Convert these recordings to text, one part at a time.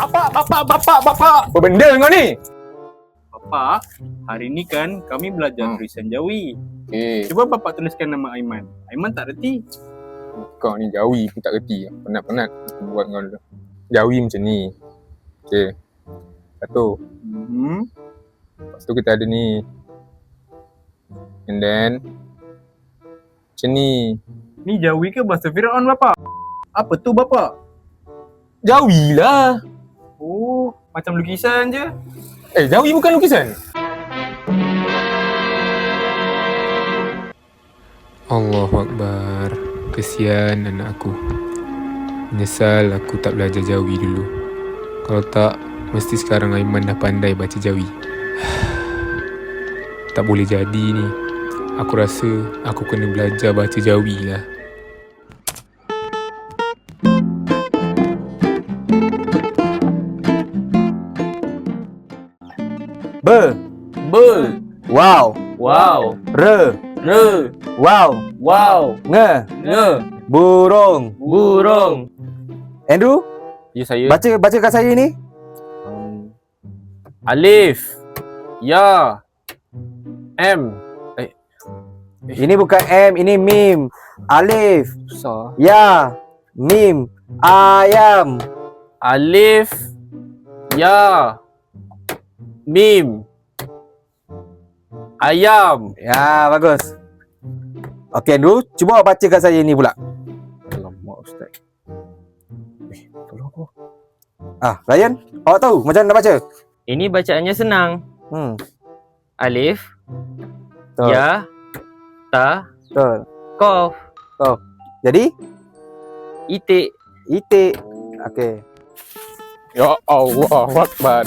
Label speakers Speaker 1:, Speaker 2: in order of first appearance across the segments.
Speaker 1: Bapak. Apa benda kau ni?
Speaker 2: Bapak, hari ni kan kami belajar tulisan Jawi.
Speaker 1: Okay.
Speaker 2: Cuba Bapak tuliskan nama Aiman. Aiman tak reti.
Speaker 1: Kau ni Jawi pun tak reti. Penat-penat buat kau dulu. Jawi macam ni. Okay. Satu. Lepas tu kita ada ni. And then macam ni.
Speaker 2: Ni Jawi ke bahasa Firaun Bapak? Apa tu Bapak?
Speaker 1: Jawi lah.
Speaker 2: Oh, macam lukisan je.
Speaker 1: Jawi bukan lukisan.
Speaker 3: Allahu Akbar. Kesian anak aku. Menyesal aku tak belajar Jawi dulu. Kalau tak, mesti sekarang Aiman dah pandai baca Jawi. Tak boleh jadi ni. Aku rasa aku kena belajar baca Jawi lah.
Speaker 4: Be. Wow. Re. Wow. Nge. Burung. Andrew,
Speaker 2: Ya saya.
Speaker 4: bacakan saya ni.
Speaker 2: Alif. Ya. M.
Speaker 4: Ini bukan M, ini mim. Alif.
Speaker 2: Susah.
Speaker 4: Ya. Mim. Ayam.
Speaker 2: Alif. Ya. Mim. Ayam.
Speaker 4: Ya, bagus. Okey, Andrew, cuba awak bacakan saya ni pula.
Speaker 2: Alamak Ustaz. Tolong aku.
Speaker 4: Ryan, awak tahu macam mana nak baca?
Speaker 5: Ini bacaannya senang. Alif,
Speaker 4: Betul.
Speaker 5: Ya, Ta,
Speaker 4: Betul.
Speaker 5: Qaf,
Speaker 4: Jadi,
Speaker 5: Itik.
Speaker 4: itik. Okey.
Speaker 1: Ya Allah, Akbar.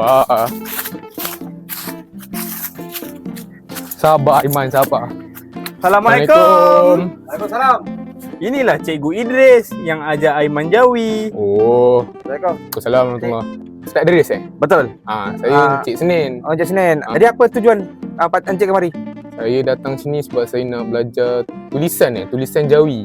Speaker 1: Sabar Aiman, sabar.
Speaker 2: Assalamualaikum.
Speaker 4: Waalaikumsalam.
Speaker 2: Inilah Cikgu Idris yang ajar Aiman Jawi.
Speaker 1: Oh,
Speaker 4: Assalamualaikum.
Speaker 1: Assalamualaikum. Ustaz Idris
Speaker 4: Betul.
Speaker 1: Saya Encik Senin.
Speaker 4: Encik Senin. Jadi apa tujuan Encik kemari?
Speaker 1: Saya datang sini sebab saya nak belajar tulisan Jawi.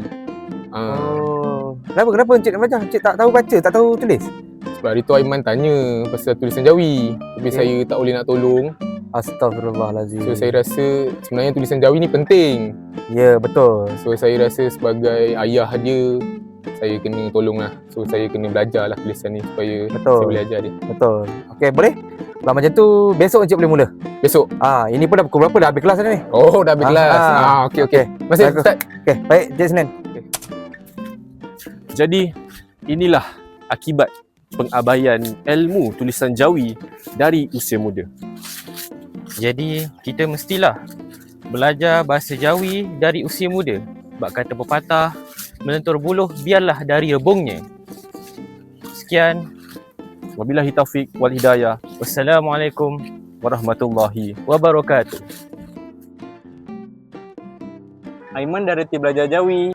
Speaker 4: Kenapa Encik nak belajar? Encik tak tahu baca, tak tahu tulis?
Speaker 1: Sebab hari tu Aiman tanya pasal tulisan Jawi. Tapi saya tak boleh nak tolong.
Speaker 4: Astagfirullahalazim.
Speaker 1: So saya rasa sebenarnya tulisan Jawi ni penting.
Speaker 4: Ya, betul.
Speaker 1: So saya rasa sebagai ayah dia, saya kena tolong lah. So saya kena belajar lah tulisan ni supaya
Speaker 4: Betul.
Speaker 1: saya boleh ajar dia.
Speaker 4: Betul. Okey, boleh? Kalau macam tu, besok Encik boleh mula.
Speaker 1: Besok?
Speaker 4: Ini pun dah pukul berapa? Dah habis kelas dah ni?
Speaker 1: Oh, dah habis kelas. Okey. Masih
Speaker 4: Bagus.
Speaker 1: Ustaz.
Speaker 4: Okey, baik Encik Senin.
Speaker 2: Jadi, inilah akibat pengabaian ilmu tulisan Jawi dari usia muda.
Speaker 5: Jadi, kita mestilah belajar bahasa Jawi dari usia muda. Sebab kata pepatah, melentur buluh biarlah dari rebungnya. Sekian.
Speaker 2: Wabillahi taufik wal hidayah.
Speaker 5: Wassalamualaikum
Speaker 2: Warahmatullahi.
Speaker 5: wabarakatuh.
Speaker 2: Aiman dah reti belajar Jawi.